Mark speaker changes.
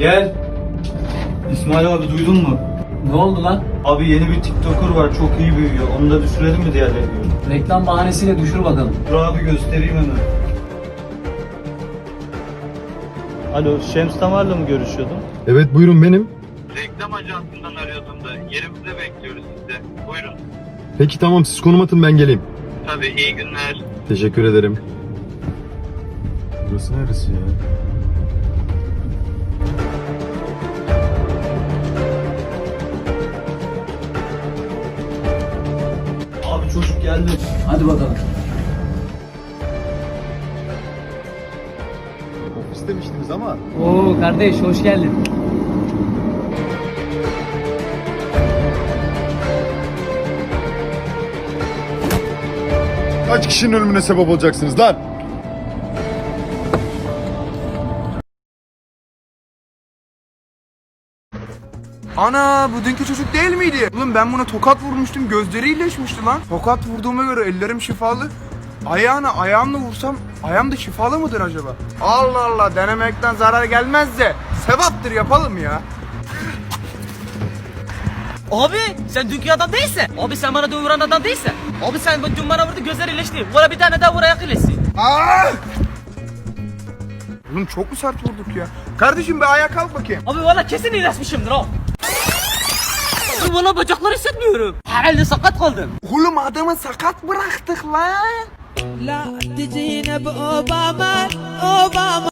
Speaker 1: Gel. İsmail abi duydun mu?
Speaker 2: Ne oldu lan?
Speaker 1: Abi yeni bir TikToker var, çok iyi büyüyor. Onu da düşürelim mi diğerleri gibi?
Speaker 2: Reklam bahanesiyle düşür bakalım.
Speaker 1: Dur abi göstereyim hemen. Alo, Şems Tamar'la mı görüşüyordum?
Speaker 3: Evet buyurun benim.
Speaker 4: Reklam ajansından arıyordum da yerimizde bekliyoruz sizi. Buyurun.
Speaker 3: Peki tamam siz konum atın ben geleyim.
Speaker 4: Tabii iyi günler.
Speaker 3: Teşekkür ederim. Burası neresi ya?
Speaker 1: Abi çocuk geldi.
Speaker 2: Hadi bakalım.
Speaker 3: Ofis demiştiniz ama.
Speaker 2: Oo kardeş hoş geldin.
Speaker 3: Kaç kişinin ölümüne sebep olacaksınız lan?
Speaker 5: Ana bu dünkü çocuk değil miydi? Oğlum ben buna tokat vurmuştum, gözleri iyileşmişti lan. Tokat vurduğuma göre ellerim şifalı. Ayağımla vursam ayağım da şifalı mıdır acaba? Allah Allah, denemekten zarar gelmez de sevaptır, yapalım ya.
Speaker 6: Abi sen dünkü adam değilsin. Abi sen bana dün vuran adam değilsin. Abi sen dün bana vurdu gözler iyileşti. Vura bir tane daha vur ayak iyileşsin.
Speaker 5: Aa! Oğlum çok mu sert vurduk ya? Kardeşim bir ayağa kalk bakayım.
Speaker 6: Abi valla kesin iyileşmişimdir o. Abi valla bacakları hissetmiyorum. Herhalde sakat kaldım.
Speaker 5: Oğlum adamı sakat bıraktık lan.
Speaker 7: لا تجينا بأوباما أوباما